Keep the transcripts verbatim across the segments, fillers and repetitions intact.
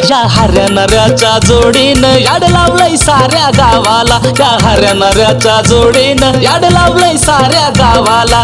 या हऱ्या नऱ्याच्या जोडीनं याड लावलंय साऱ्या गावाला, या हऱ्या नऱ्याच्या जोडीनं याड लावलंय साऱ्या गावाला.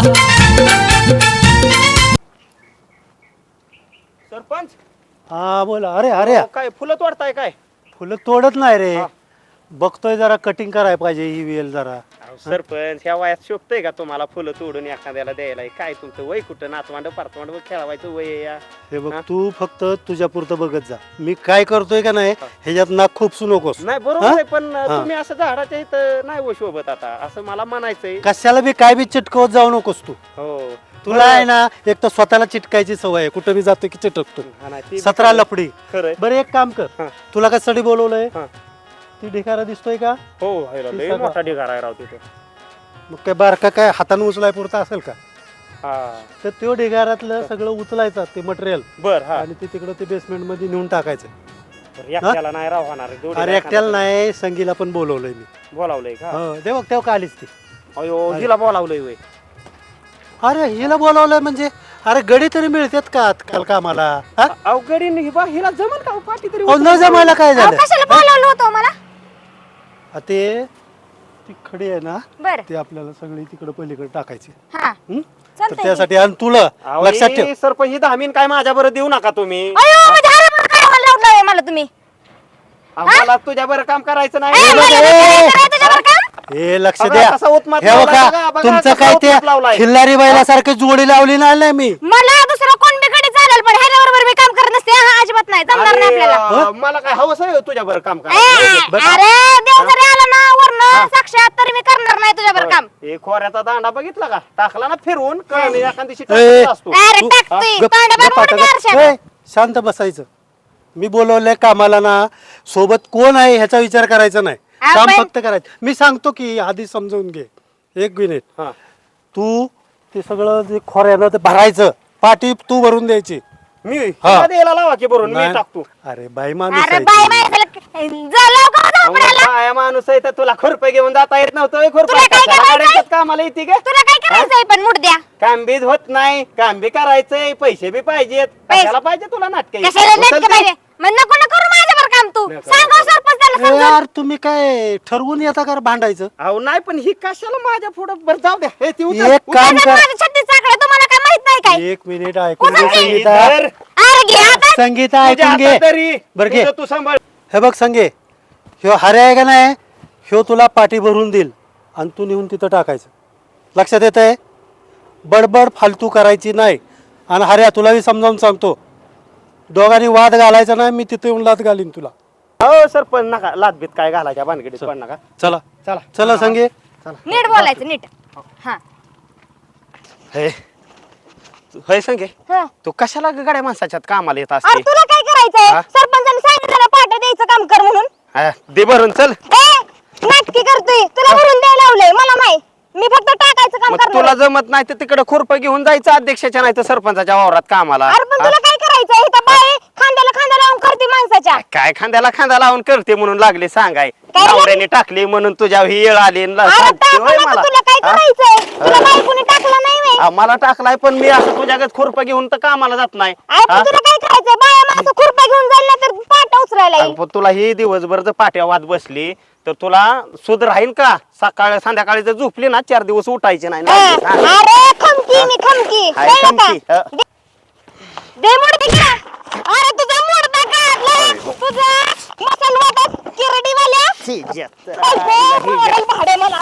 सरपंच हा बोला. अरे अरे काय फुलं तोडताय काय? फुलं तोडत नाही रे, बघतोय जरा कटिंग करायला पाहिजे ही वेल जरा. सरपंच ह्या वयात शोभतय का तुम्हाला फुलं तोडून एखाद्याला द्यायला? काय तुमचं वय कुठं नातवांड परतवांड खेळवायचं वय आहे या? हे बघ तू फक्त तुझ्या पुरतं बघत जा, मी काय करतोय का नाही ह्याच्यात नाक खूपसू नकोस. नाही बरोबर आहे, पण तुम्ही असं झाडाच्या इथं नाही हो शोभत आता, असं मला म्हणायचंय. कशाला बी काय बी चिटकवत जाऊ नकोस तू. हो तुला आहे ना एक तर स्वतःला चिटकायची सवय आहे, कुठं बी जातो की चिटकतो. सतरा लफडी. खरंय. बरं एक काम कर, तुला कशासाठी बोलवलंय? हा. ती ढिगारा दिसतोय का? हो लय मोठा ढिगारा आहे राव तिथे. मग काय बारका काय हाताने उचलाय पुरता असेल का? हा तर त्यो ढिगाऱ्यातलं सगळं उचलायचं ते मटेरियल बर. हा आणि ते तिकडं ते बेसमेंट मध्ये नेऊन टाकायचं. एकट्याला नाही राव होणार. अरे एकट्याला नाही, संगीला पण बोलवलंय मी. बोलावलंय का? हो दे बघ तेव्हा का आलीच ती. अयो हिला बोलावलंय वय. अरे हिला बोलावलंय म्हणजे अरे गडी तरी मिळतात का आजकाल कामाला? अवघडी हिला जमल का पाठी तरी? न जमायला काय झालं? कशाला बोलावलं होतं मला? आ, ते ती खडी आहे ना, बर ते आपल्याला सगळी तिकडे पलीकडे टाकायची. हा हं? तर चालतंय की. त्यासाठी आणि तुला लक्षात ठेव. सरपंच ही दहा मिनिट काय माझ्या बरं देऊ नका तुम्ही. अयो म्हणजे अरे बरं काय मला लावलंय मला तुम्ही? मला तुझ्या बरं काम करायचं ए, नाही. मला नाही करायचं तुझ्यावर काम? हे लक्ष बघा, द्या. कसा उत्मात हे लावलाय बघा बघा, बघा, तुमचं कसा काय ते उत्मात लावलाय. खिल्लारी बैलासारखी जोडी लावली नाही मी. मला दुसरं कोण बी कडे चालेल, पण ह्याच्या बरोबर मी काम करत नसते. हा अजिबात नाही, जमणार नाही अरे, आपल्याला. अं, मला काय हवंस आहे तुझ्या बरं काम ए, करायचं. अरे देव जरी आला ना वरनं साक्षात तरी मी करणार नाही तुझ्यावर काम. हे खोऱ्याचा दांडा बघितला का? टाकला ना फिरवून कळणी एखाद दिवशी ए, टाकत असतो. अरे तू- टाकतोय गप- तांडा गप बरोबर आता मी गप. आरशात. ए, शांत बसायचं. मी बोलवलंय कामाला ना, सोबत कोण आहे ह्याचा विचार करायचा नाही, काम आपण- फक्त करायचं. मी सांगतो की आधी समजून घे. एक मिनिट. हा. तू ते सगळं जे खोऱ्यानं ते भरायचं, पाठी तू भरून द्यायची. मी हा. तुला द्यायला लावा की भरून मी नाही. टाकतो. अरे बाई माणूस अरे आहे बाय ती. बाय झालं का झोपड्याला? काय माणूस आहे तर तुला खुरपे घेऊन जाता येत नव्हतं. खुरपे तुला काय करायचंय? कामाला येते का? तुला काय करायचंय पण मुड द्या. काम बीज होत नाही, काम बी करायचंय, पैसे बी पाहिजेत. पैसे- कशाला पाहिजे तुला नाटक? कशाला नेटके पाहिजे? मग नको ना करू माझ्यावर काम तू. नको, सांगा नको. सरपंच त्याला ए, समजून. यार तुम्ही काय ठरवून येता का रे भांडायचं? अहो नाही, पण ही कशाला माझ्या पुढे बरं जाऊ द्या. हे ती उचल, एक उचल. काम त्याच्यात कर. माझं छत्तीस चाकडं तुम्हाला काय माहित नाही काय? एक मिनिट ऐकून घे उचल. संगीता. इधर. अरे घे आता. संगीता तुझ्या ऐकून घे. हातात तरी. बरं घे. तुझं तू सांभाळ. हे बघ संगे, ह्यो हरे आहे का नाही, ह्यो तुला पाठी भरून देईल आणि तू नेऊन तिथं टाकायचं. लक्षात येत आहे? बडबड फालतू करायची नाही. आणि हऱ्या तुलाही समजावून सांगतो, दोघांनी वाद घालायचा नाही. मी तिथे येऊन लाद घालीन तुला. हो सर, पण नका लादबीत काय घालायच्या भानगडीत पण नका. चला चला चला संगे. नीट बोलायचं नीट. हा हे तू- होय संगे, हा. तू कशाला ग गाड्या माणसाच्यात कामाला येत अरे असते? तुला काय करायचंय? हा? सरपंचाने सांगितलं ना पाट्या द्यायचं काम कर म्हणून. हा, दे भरून चल. ए नाटकी करतोय, तुला भरून द्यायला लावलंय मला नाही. मी फक्त टाकायचं काम मग करणार. तुला जमत नाही तर तिकडे खुरप घेऊन जायचं अध्यक्षाच्या नाही तर सरपंचाच्या वावरात कामाला. अरे पण हा? तुला काय करायचंय? इथं बाई खांद्याला खांदा लावून करते माणसाच्या. काय खांद्याला खांदा लावून करते म्हणून लागले सांगाय? काय झालं? नवऱ्याने टाकली म्हणून तुझ्या ही येळ आली आणि ला- अरे सांगते होय टाकलं मला. तर तुला काय हा? करायचंय? तुला बाई कुणी टाकलं नाही व्हय? हा, मला टाकलाय पण मी असं तुझ्याकडे खुरप घेऊन तर कामाला जात नाही. अरे पण हा? तुला काय करायचंय? बाया माणसं खुरपा घेऊन जाईल ना तर पाटा उचलायला अरे येईल. पण तुला ही दिवसभर जर पाट्या वाद बसली तर तुला सुध राहील का? सकाळ संध्याकाळी जर झोपली ना चार दिवस उठायचे नाही. हा. हा. अरे खमकी मी खमकी हाय कळलं का? खमकी, हा. दे मूड तिकडे. अरे तुझा मूड काढला. तुझा मसाल वाटत किरडीवाल्या. शी, जत. पैसे भरायला भाडे मला.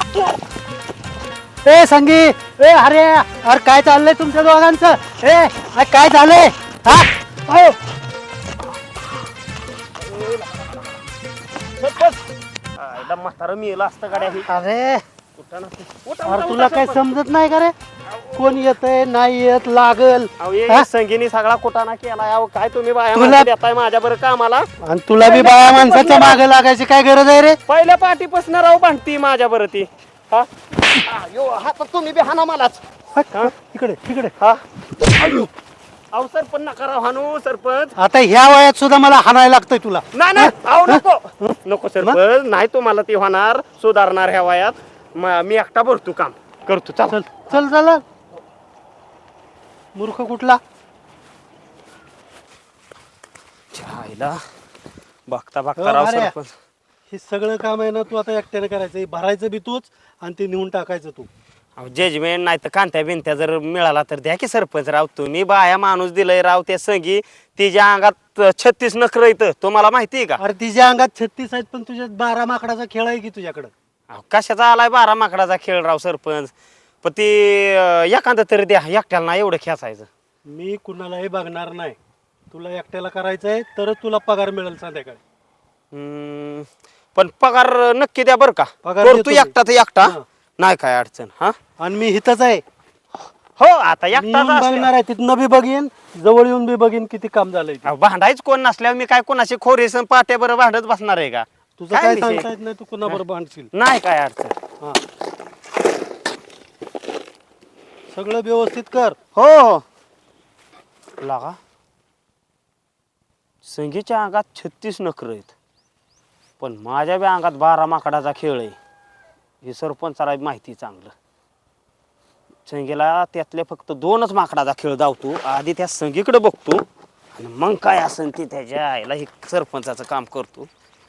ए संगी, ए हरे, अरे काय चाललंय तुमच्या दोघांचं? ए अरे काय झालंय? हा अहो. आयला म्हातारं मेलं असतं गाड्या ही. अरे उठा ना. उठा, अरे उठा, तुला उठा, काय सरपंच. समजत नाही का रे? कोण येतंय नाही येत लागल. अहो, हे हा? संगीनी सगळा कुटाणा केला. अहो काय तुम्ही बाया तुला- माणसं देताय माझ्या बरं कामाला? आणि तुला बी बाया माणसाच्या मागे लागायची काय गरज आहे रे? पहिल्या पाठीपासून राहू भांडती माझ्या बरं ती. हा? आ, यो, हा तर तुम्ही बी हाना मलाच. हट, इकडे इकडे. हा? अयो. अहो सरपंच नका राव हानू सरपंच. आता ह्या वयात सुद्धा मला हाणायला लागतंय तुला. नाही नाही अहो नको नको सरपंच, नाही तुम्हाला ती होणार सुधारणार ह्या वयात. म- मी एकटा भरतो काम करतो. चल चल चल चला. मूर्ख कुठला? छायला बघता हो, बघता राव अरे. सरपंच. हे सगळं काम आहे ना तू आता एकट्याने करायचं हे भरायचं बी तूच आणि ते नेऊन टाकायचं तू. जजमेंट नाही तर कांत्या बिंत्या जर मिळाला तर द्या की सरपंच राव. तुम्ही बाया माणूस दिलंय राव त्या संगी. तिच्या अंगात छत्तीस नखर येतं तुम्हाला माहिती आहे का? अरे तिच्या अंगात छत्तीस आहेत पण तुझ्यात बारा माकडाचा खेळ आहे की तुझ्याकडं. अहो, कशाचा आलाय बारा माकडाचा खेळ राव सरपंच. पण ती अं, एखादं तरी द्या एकट्याला ना एवढं खेचायचं. मी कुणालाही बघणार नाही. तुला एकट्याला करायचं आहे तरच तुला पगार मिळेल संध्याकाळी. हम्म, पण पगार नक्की द्या बरं का. पगार करतो देतो मी. एकटा तर एकटा हा. नाही काय अडचण. हा आणि मी इथंच आहे. हो आता मी येऊन एकटाच बघणार असल्या- आहे तिथनं बी बघीन जवळ येऊन बी बघीन किती काम झालंय ते. अहो, भांडायच कोण नसल्यावर मी काय कोणाशी खोरेसन पाट्या बरं भांडत बसणार आहे का? तुझं काय विषय? सांगता येत नाही तू कुणाबरोबर भांडशील. नाही काय अडचण. हा सगळं व्यवस्थित कर. हो हो लागा संगीच्या अंगात छत्तीस नखर आहेत पण माझ्या बी अंगात बारा माकडाचा खेळ आहे हे सरपंचाला माहिती चांगलं. संगीला त्यातले फक्त दोनच माकडाचा खेळ धावतो. आधी त्या संगीकडे बघतो आणि मग काय असेल ते त्याच्या आईला हे सरपंचाचं काम करतो.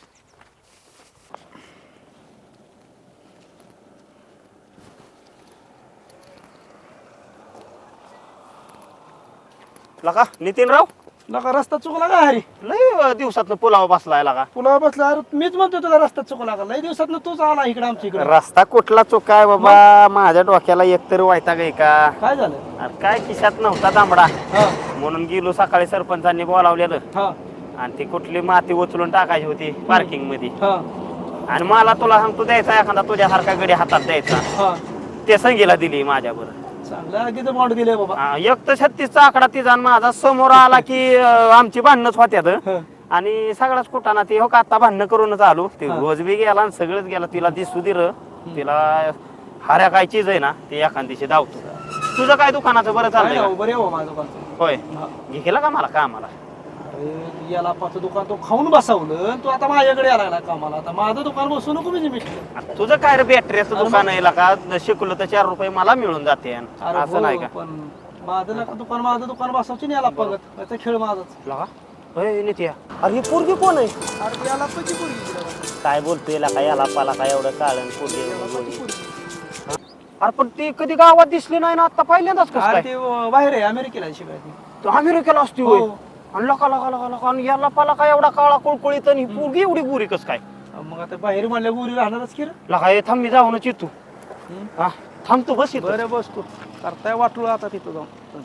लगा नितीनराव लका रस्ता चुकला का हरी? लय दिवसातनं पुलावा बसलाय लागा. पुलावर बसला अरे मीच म्हणतो तुला रस्ता चुकला का? लई दिवसात तूच आला इकडे आमच्या इकडे. रस्ता कुठला चुकाय बाबा माझ्या डोक्याला एकतरी वैताग आहे का? काय झालं? अरे काय खिशात नव्हता तांबडा हा म्हणून गेलो सकाळी सरपंचांनी बोलावलेलं हा आणि ती कुठली माती उचलून टाकायची होती पार्किंग मध्ये हा आणि मला तुला सांगतो द्यायचा एखादा तुझ्यासारखा गडी हातात द्यायचा हा ते संगीला दिली माझ्या बरं. चांगलं आगीचं बॉन्ड दिले बाबा. हा, एक तर छत्तीसचा आकडा तिचा आणि माझा समोर आला की अं, आमची भांडणच होत्यात हा. आणि सगळाच कुठाना ती हो का आता भांडणं करूनच आलो ते हा. रोज बी गेला आणि सगळंच गेला तिला दिसू दिर तिला हाऱ्या काय चीज आहे ना ते एखाद दिवशी धावतो. तुझं काय दुकानाचं बरं काय चाललंय ना, का? बरे हो माझं दुकान. होय हा. घे केला का मला कामाला? अरे याला पाच दुकान तो खाऊन बसवलं तू आता माझ्याकडे यायला लागला कामाला. आता माझं दुकान बसू नको म्हणजे मी. आता तुझं काय रे बॅटरीचं दुकान आहे का शिकलो तर चार रुपये मला मिळून जाते अरे असं नाही हो, का? पण माझं नका दुकान माझं दुकान बसवची नाही याला बघत याचा खेळ माझाच. लगा होय नित्या अरे ही पोरगी कोण आहे? अरे याला पची पोरगी. काय बोलतोय का याला पाला काय एवढं काळण पोरगी? अरे पण ती कधी गावात दिसली नाही ना आता पहिल्यांदाच कसं अरे काय? ते बाहेर आहे अमेरिकेला शिकायची. तो अमेरिकेला असती हो. होय आणि लका लका लका लका आणि याला पाला काय एवढा काळा कुळकुळीत आणि ही पोरगी एवढी बुरी कस काय? मग आता बाहेर म्हणल्या गुरी राहणारच की रे. लका हे थांब मी जाऊनच येतो. हा थांब तू बस इथं. बरं बस तू करताय वाटलो आता तिथं जाऊन.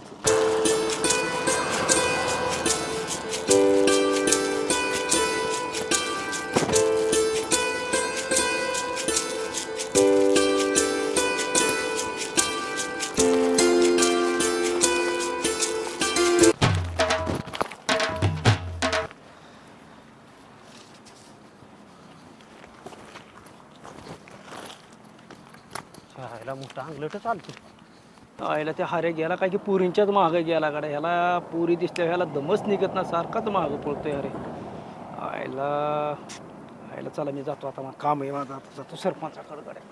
ह्याला मोठा अंगलट चालतो. आईला त्या हारे गेला काय की पुरींच्याच मागं गेला गाड्या. ह्याला पुरी दिसल्या ह्याला दमच निघत ना सारखाच मागं पळतोय अरे. आईला आईला चला मी जातो आता मला काम आहे माझं आता जातो सरपंचाकडे गाड्या.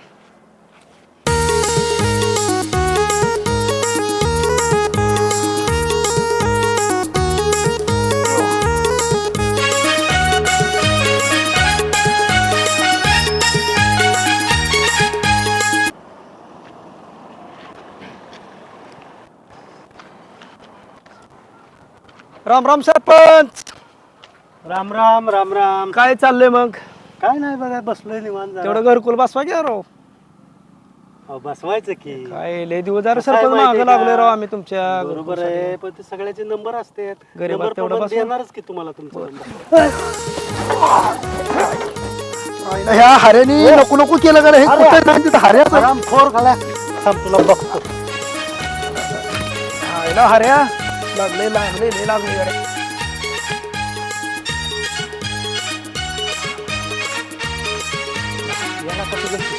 राम राम सरपंच. राम राम राम राम. काय चाललंय मग? काय नाही बघा बसलोय निवांत जरा. तेवढं घरकुल बसवा घ्या राव. अहो, बसवायचं की. काय लय दिवस जरा कसं आहे सरपंच माहितीये मागं लागलोय का? राव आम्ही तुमच्या बरोबर आहे पण ते सगळ्याचे नंबर असतात. गरीबात नंबर तेवढं प्रमाणे बसवा. देणारच की तुम्हाला तुमचा नंबर. ह्या हारेनी नको नको केलं का रे? हे कुठं नाही तिथं हाऱ्याचं. आराम खोर खाला. थांब तुला बघतो. हायला हाऱ्या लागले लागले लय लागले गाड्या. याला कसं घेतलं?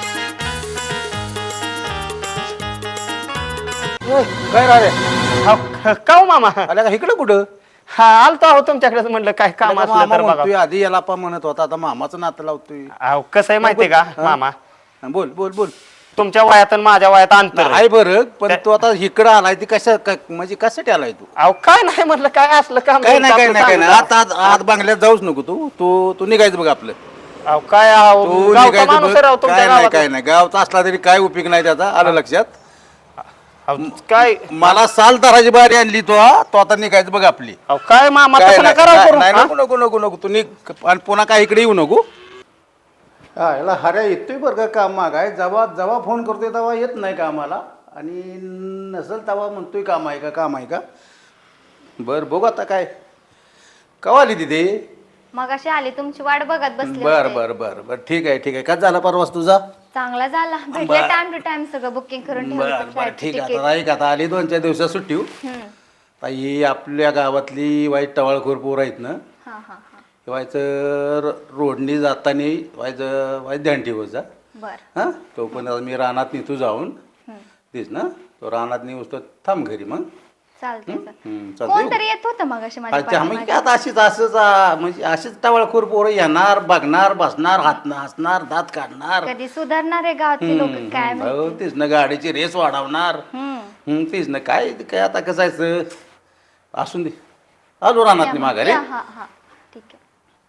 काय रे? का हो मामा? आल्या का इकडे कुठं? हा आलतो आहो तुमच्याकडे म्हणलं काय काम आल्या का असलं मामा तर बघा. म्हणतोय आधी याला पा म्हणत होता आता मामाचं नातं लावतोय. अहो कसं आहे माहितीये का मामा? हा, बोल बोल बोल. तुमच्या वयात आणि माझ्या वयात अंतर आहे बरं, पण तू आता इकडं आलाय ती कशा क- म्हणजे कशासाठी आलाय तू? अहो काय नाही म्हटलं, काय असलं काम काय नाही काय आपलं नाही काय नाही, सांगू आता आत आत बांगल्यात जाऊच नको तू तू तू निघायचं बघ आपलं. अहो काय अहो, तू गावचा निघायचं माणूस बघ. आहे राव तुमच्या काय नाही गावात. काय नाही, गावचा असला तरी काय उपयोग नाही त्याचा, आलं लक्षात? अहो, काय मला साल धराची बारी आणली तो हा, तो आता निघायचं बघ आपली. अहो काय मामा काय तसं नाही, नका राव नाही करू, नाही, हा? नको नको नको नको तू निघ आणि पुन्हा काय इकडे येऊ नको. हा याला हऱ्या येतोय बरं का काम मागाय, जेव्हा जेव्हा फोन करतोय तेव्हा येत नाही कामाला, आणि नसेल तेव्हा म्हणतोय काम आहे का काम आहे का. बरं बघू आता काय कवा आली तिथे. मग अशी आली तुमची वाट बघत बसले बर होते. बर बर बर ठीक आहे ठीक आहे. काय झाला परवास तुझा. चांगला झाला भेटले बरं. टाइम टू टाइम सगळं बुकिंग करून ठेवलं बर होतं बर flight ठीक आहे. ticket. आता ऐक आता आली दोन चार दिवसात सुट्टी हो. हम्म. आता ही आपल्या गावातली वाईट टवाळखोर पोर आहेत ना, हा हा हा व्हायचं र- रोडनी जाताना व्हायचं व्हायचं ध्यान ठेवत जा. बर हां तो पण आता मी रानात निघतो जाऊन तेच ना, तो रानात निघतो थांब घरी मग. चालतंय हम्म, चालतंय. चालतंय. कोणतरी येत होतं मग अशी माझ्या अच्छा म्हणजे पाठीमागे. आता अशीच असंच आ, म्हणजे अशीच टवाळखोर पोरं येणार बघणार बसणार हात हसणार दात काढणार. कधी सुधारणार आहे गावातली लोक हम्म, काय हम्म, माहिती. हो, तेच ना गाडीची रेस वाढवणार. हम्म. हम्म, तेच ना काय काय आता कसायचं असून दे. आलो रानात माघारी. या, हा हा ठीक आहे.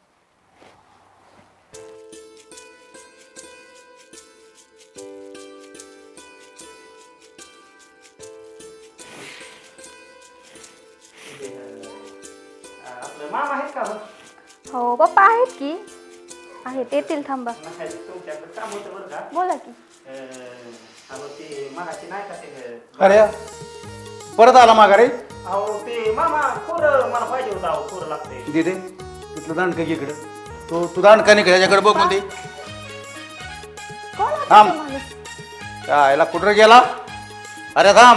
आपलं मामा आहेत का बरं? हो पप्पा आहेत की आहेत येतील थांबा. तुमच्याकडे काम होतं बरं का. बोला की. अं, अहो ते मगाशी नाही का ते अरे परत आला माघारी. अहो ते मामा खोरं मला पाहिजे होतं, अहो खोरं लागते. दिदे तिथलं दांडकं घे इकडं. तो तू दांडका नाही त्याच्याकडे बघ म्हणते. कोण होता थांब. तो माणूस? याला कुठं गेला. अरे थांब.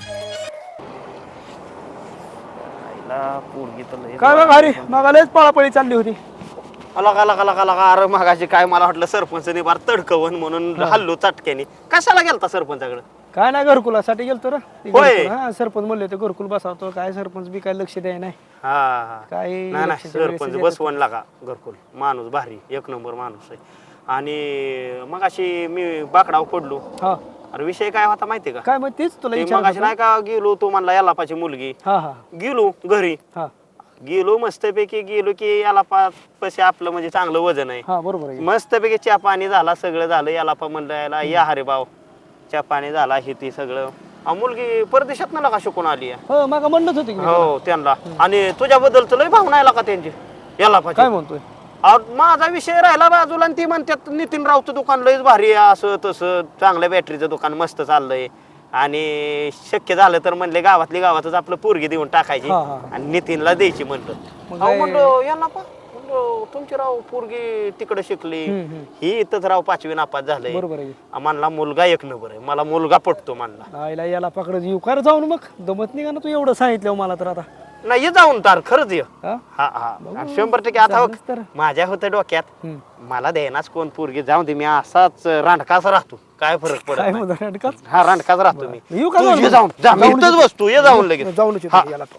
पोरगी तर लय- काय बघ अरे मागालेच पळापळी चालली होती. लगा लगा लगा लगा अरे मगाशी काय मला वाटलं सरपंचने बार तडकवन म्हणून हल्लो चटक्याने. कशाला गेलता सरपंचाकडे. काय नाही घरकुलासाठी गेलतो रे ते होय. घरकुल, हा सरपंच म्हणले होते घरकुल बसावतो. काय सरपंच बी काय लक्ष द्याय नाही. हा हा काय नाही नाही इलेक्शनच्या वेळेस सरपंच येतात. बसवण लागा घरकुल. माणूस भारी एक नंबर माणूस आहे. आणि मग अशी मी बाकडाव पडलो. हा अरे विषय काय होता माहितीये का. काय मग तेच तुला ते विचारत मगाशी होतो. नाही का गेलो तो म्हणला यालापाची मुलगी. हा हा गेलो घरी हा गेलो मस्तपैकी गेलो की याला पशी आपलं म्हणजे चांगलं वजन आहे. हा बरोबर आहे. मस्तपैकी चहा पाणी झाला सगळं झालं. याला पा म्हणलं याला या हरे भाऊ चहा पाणी झाला हे ती सगळं. अहो, मुलगी परदेशात ना का शिकून आली आहे. हो मग म्हणत होते की मी तुला. हो त्यांना. आणि तुझ्याबद्दल तर लय भावना आला का त्यांची याला पाहिजे. काय म्हणतोय. माझा विषय राहिला बाजूला आणि ती म्हणतात नितीन रावचं दुकान लयच भारी आहे असं तसं चांगल्या बॅटरीचं दुकान मस्त चाललंय. आणि शक्य झालं तर म्हणले गावातली गावातच आपलं पोरगी देऊन टाकायची हा, हा. आणि नितीनला द्यायची म्हणलं. मग अहो काय- म्हणलं याला पा म्हणलं तुमची राव पोरगी तिकडे शिकली हम्म, हम्म. ही इथंच राव पाचवी नापास झालंय. बरोबर आहे. म्हणला मुलगा एक नंबर आहे मला मुलगा पटतो म्हणला. आईला याला पकडत येऊ कर जाऊन मग दमत नाही का ना तू एवढं सांगितलं मला तर आता. नाही ये जाऊन तार खरंच ये. हा? हा हा आणि शंभर टक्के आता झालंच तर. बघ, माझ्या होतं डोक्यात हम्म. मला देणार कोण पोरगी जाऊन दे मी असाच रांडकाच राहतो काय फरक पडत काय नाही. म्हणतो नाटकात? हा रांडकाच राहतो मी. येऊ का तू जाऊन ये मग? जाऊन जा मी जाऊन इथंच येतो. बसतो ये जाऊन लगेच. जाऊन हा. याला पाहू.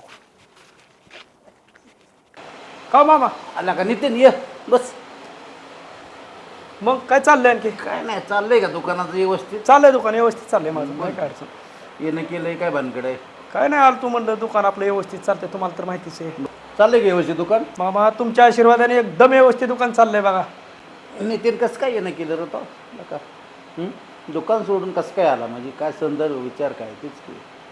का मामा आला का नितीन ये बस. मग काय चाललंय आणखी. काय नाही चाललंय का दुकानाचं व्यवस्थित. चाललंय दुकान व्यवस्थित चाललंय माझं काय काय अडचण. येणं केलंय काय भानगड आहे. काय नाही आलं तू म्हणलं दुकान आपलं व्यवस्थित चालतंय तुम्हाला तर माहितीच आहे. चाललंय का व्यवस्थित दुकान. मामा तुमच्या आशीर्वादाने एकदम व्यवस्थित दुकान चाललंय बघा. नितीन कसं काय येणं केलं रे तो नका. हं? दुकान सोडून कसं काय आला म्हणजे काय संदर्भ विचार काय तेच की.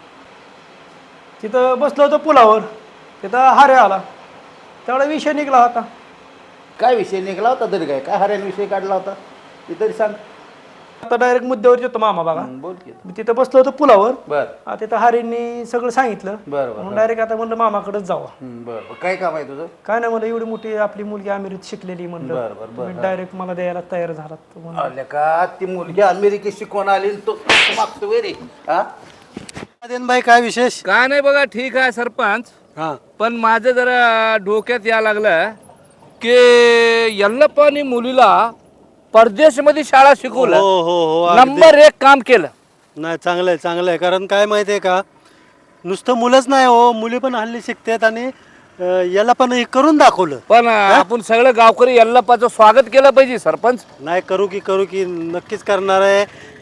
तिथं बसलो होतो पुलावर तिथं हारे आला तेवढा विषय निघला होता. काय विषय निघाला होता तरी काय काय हऱ्याने विषय काढला होता ते तरी सांग. आता डायरेक्ट मुद्द्यावर येतो मामा बघा. हं, बोल की. मी तिथं बसलो होतो पुलावर. बर आ, तिथं हारेंनी सगळं सांगितलं. बर बर म्हणून डायरेक्ट आता म्हणलं मामाकडेच जावा. हं, बर बर. काय काम आहे तुझं. काय नाही म्हणलं एवढी मोठी आपली मुलगी अमेरिकेत शिकलेली म्हणलं बरं, बरं, बरं, तुम्ही डायरेक्ट मला द्यायला तयार झालात म्हणलं. आले का ती मुलगी अमेरिकेत शिकवून आली आणि तो तो मागतो वे रे. हा भाई काय विशेष. काय नाही बघा ठीक आहे सरपंच. हा पण माझं जरा डोक्यात या लागलं की यल्लप्पानी मुलीला परदेशमध्ये शाळा हो शिकवलं. हो हो अगदी. नंबर एक काम केलं. नाही चांगलं आहे चांगलं आहे कारण काय माहिती आहे का नुसतं मुलंच नाही हो मुली पण हल्ली शिकतात आणि अं, याला पण हे करून दाखवलं. पण आपण सगळं गावकरी यल्लप्पाचं स्वागत केलं पाहिजे सरपंच. नाही करू की करू की नक्कीच करणार आहे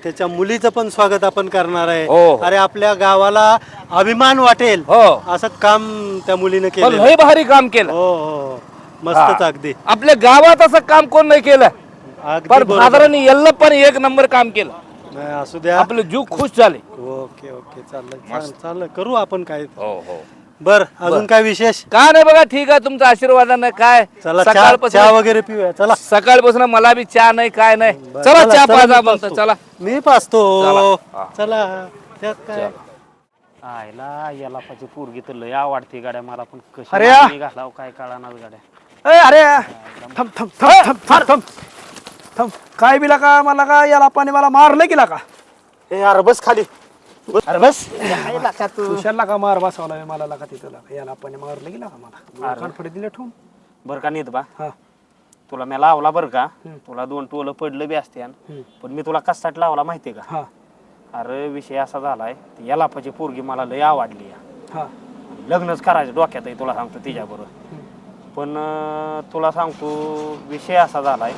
त्याच्या मुलीचं पण स्वागत आपण करणार आहे. हो, हो. अरे आपल्या गावाला अभिमान वाटेल हो. असं काम त्या मुलीने पण केलं. लय भारी काम केलं. हो हो मस्तच हा. अगदी आपल्या गावात असं काम कोण नाही केलं, अगदी पण बरोबर. फादरांनी यल्ल पण एक नंबर काम केलं. नाही, असू द्या. आपले जीव खुश झाले. ओके ओके चाललं चाललं चाललं करू आपण काय. हो हो बर अजून काय विशेष. का नाही बघा, ठीक आहे, तुमचा आशीर्वादानं काय चला चहा सकाळपासून चहा वगैरे पिऊया चला. सकाळपासून मला बी चहा नाही काय नाही. बरं, चला चहा चला, पाजा मी म्हणतो. पाजतो. चला मी पाचतो. चला. हा. चला त्यात काय. आयला याला पाहिजे पोरगी तर लय आवडते गाड्या मला, पण कशी अरे या. नावाने घालावं काय कळणार गाड्या. ए अरे थांब थांब थांब थांब थांब थांब थांब काय बिला का मला का याला पाणी मला मारलं गेला का ए अरे बस खाली बस. अरे बस यायला का तू. तुषारला का मार बसवला मला लागा तिथं लागा याला पाणी मारलं गेला का मला कानफडे दिले ठेवून. बरं का नेत बा, हा तुला मी लावला बरं का, तुला दोन टोलं पडलं बी असते पण मी तुला कशासाठी लावला माहितीये का. हा अरे विषय असा झालाय, ती याला पाहिजे पोरगी मला लय आवडली या. हा लग्नच करायचं डोक्यात आहे तुला सांगतो तिच्याबरोबर. पण अं, तुला सांगतो विषय असा झालाय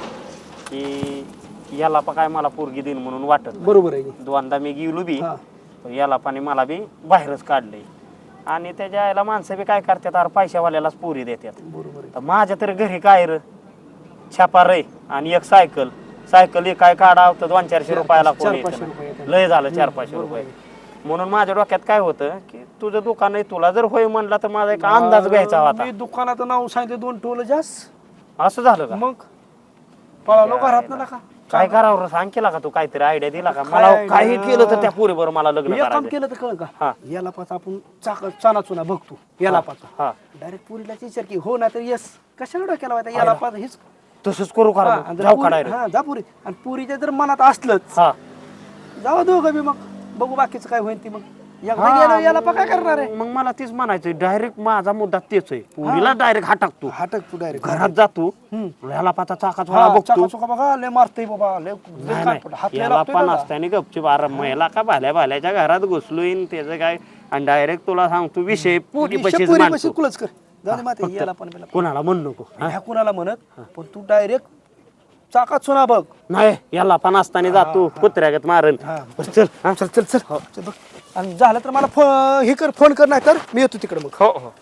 की याला पण काय मला पोरगी देईन म्हणून वाटत नाही. बरोबर आहे की. दोनदा मी गेलो बी, हा. पण याला पाणी मला बी बाहेरच काढलंय. आणि त्याच्या आईला माणसं बी काय करतात, अरे पैशावाल्यालाच पोरी देतात. बरोबर आहे. तर माझ्या तरी घरी काय र छापा रे आणि एक सायकल सायकल एक काय काढा तर दोन चारशे रुपयाला कोण चार येतं पाचशे ना. रुपये येतात. लय झालं चार पाचशे रुपये. म्हणून माझ्या डोक्यात काय होतं की तुझं दुकान आहे, तुला जर होय म्हणला तर माझा एक अंदाज घ्यायचा होता. मी दुकानाचं नाव सांगितलं दोन टोल जास्त असं झालं का. मग पळालो घरात ना का काय करावं रे, सांग केला का तू काहीतरी आयडिया दिला का काय मला. idea? काही केलं तर त्या पोरीबरोबर मला लग्न एक काम करायचं. केलं तर कळ हा. का याला पाच आपण चाक चाना चुना बघतो याला पाचा हा डायरेक्ट पुरीला विचार की हो ना तर येस कशाला डोक्याला व्हायचा याला पाच हेच तसंच करू हा, करा आणि जर जाऊ पुरी- काढायला. हा जा पुरी आणि पुरीच्या जर मनात असलंच हा जावा दोघं बी मग बघू बाकीचं काय होईल ती मग एकदा हा, गेलं याला पा काय करणार आहे मग मला तेच म्हणायचं डायरेक्ट माझा मुद्दा तेच आहे. पुरीला डायरेक्ट हा टाकतो, हाटक तू डायरेक्ट घरात जातो, ह्याला पाचा चाकाच वाला बघतो. चुका बघा लय मारतोय बाबा लय लय नाही, कानफड. हात नाही, लय याला लागतोय पण त्याला. असताना गपचूप आराम महिला का भाल्या भाल्याच्या घरात घुसलोय त्याचं काय. आणि डायरेक्ट तुला सांगतो विषय पुरी विषय पशीच पुरी मांडतो. पशी कुलच कर जाऊ दे माते याला पण बिला पण. कोणाला म्हण नको. ह्या कुणाला म्हणत पण तू डायरेक्ट चाकात सुना बघ नाही याला पण असताना जातो कुत्र्यागत मारन. हा. बरं, चल हा. चल चल चल चल बघ आणि झालं तर मला फो- हे कर फोन कर नाही तर मी येतो तिकडे मग हो हो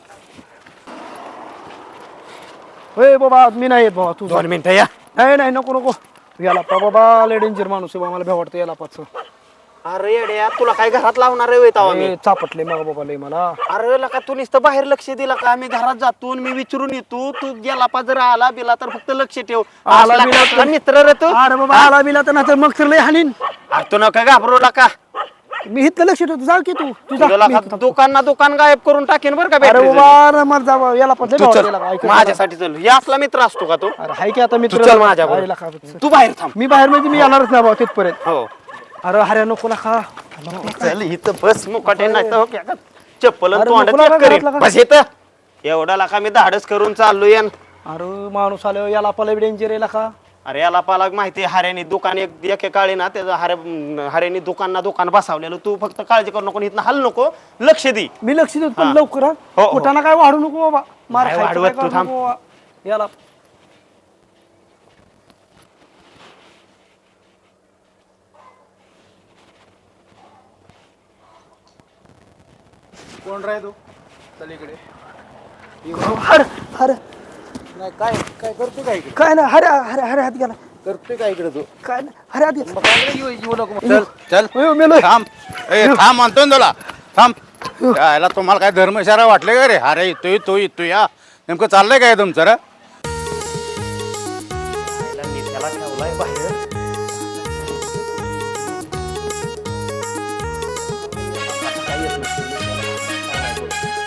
होय बाबा मी नाही येत बाबा तू जा. दोन मिनिटं या. नाही नाही नको नको याला पा बाबा लय डेंजर माणूस आहे बाबा मला भ्या वाटतं याला पाच अरे येड्या तुला काय घरात लावणार आहे तवा मी. चापटले मग बाबा लय मला अरे लका तू नुसतं बाहेर लक्ष दिला का, मी घरात जातो आणि मी विचारून येतो तू गेला पा जर आला बिला तर फक्त लक्ष ठेव. आला असला बिला कसला मित्र रे तू. अरे बाबा आला बिला तर नाही तर मग तर लय हानीन अरे तू नका घाबरू नका. मी इथलं लक्ष ठेवतो जा की तू तू जा तुला मी का इथं थांबतो. दुकान ना दुकान गायब करून टाकेन बरं का अरे battery बाबा अरे मला जा याला पण लय तू भ्या चल वाटतं याला, ऐक ना. माझ्यासाठी चल. या असला मित्र असतो का तो. अरे हाय की आता मी तू चल माझ्याबरोबर. तू बाहेर थांब. मी बाहेर म्हणजे मी येणारच नाही बाबा तिथपर्यंत हो अरे हऱ्या नको ना खा चल इथं बस मुकाटे नाही तर हो की आता चप्पल आणि अरे तोंडात नको check लागा करीन. घरातला का? बस इथं एवढा लाका मी धाडस करून चाललोय अन. अरे माणूस आलो याला पला डेंजर याला का अरे याला पाला माहिती हाऱ्यानी दुकान एक एके काळी ना त्याचं हाऱ्या हाऱ्यानी दुकान ना दुकान बसावलेलं. तू फक्त काळजी करू नको, इथं हल नको, लक्ष दे. मी लक्ष देतो पण हा. लवकर हा. हो, हो. कुठाना काय वाढू नको बाबा मार नाही खायचं वाढवत काय तू, करू थांब. नको बाबा. याला कोण राह तू चल इकडे. हर हर नाही काय काय करतो काय इकडे, काय ना हरे हरे हरे हात गेला करतोय काय इकडे तू. काय ना हरे हात गेला मग काय येऊ येऊ नको मग. चल चल अयो, मेलोय. थांब ए थांब म्हणतोय ना तुला थांब. यायला तुम्हाला काय धर्मशाळा वाटले का रे. अरे येतोय तो येतोय या नेमकं चाललंय काय तुमचं रे. पहिला मी त्याला ठेवलाय बाहेर. काय येत नसेल मी त्याला.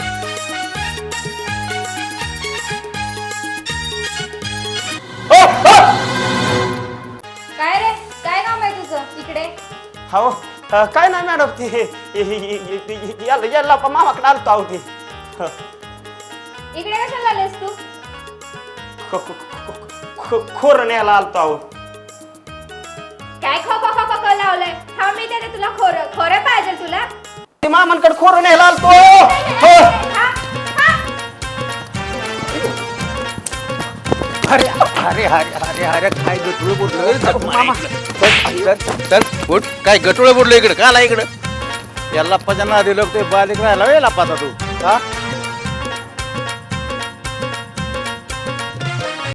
काय रे काय काम आहे तुझं इकडे हो अ, काय नाही मॅडम ती हे- हे- हे- हे- हे- याला याला पण मामाकडे आलतो आहो ती. ह. इकडे कशाला आलेस तू खो- खो- खो- खो- खोरं न्यायला आलतो आहो. काय खो खो खो खो खो लावलंय हा मी देते तुला खोरं खोरं पाहिजे तुला ते मामांकडे खोरं न्यायला आलतो. हो. हा, हा. अरे अरे अरे अरे अरे काय गटुळे बुडलं चल चल उठ काय गटुळे बुडलं इकडे का आला इकडं याला पजाना दिलं ते बालिक राहिला वेळ लापाता तू हा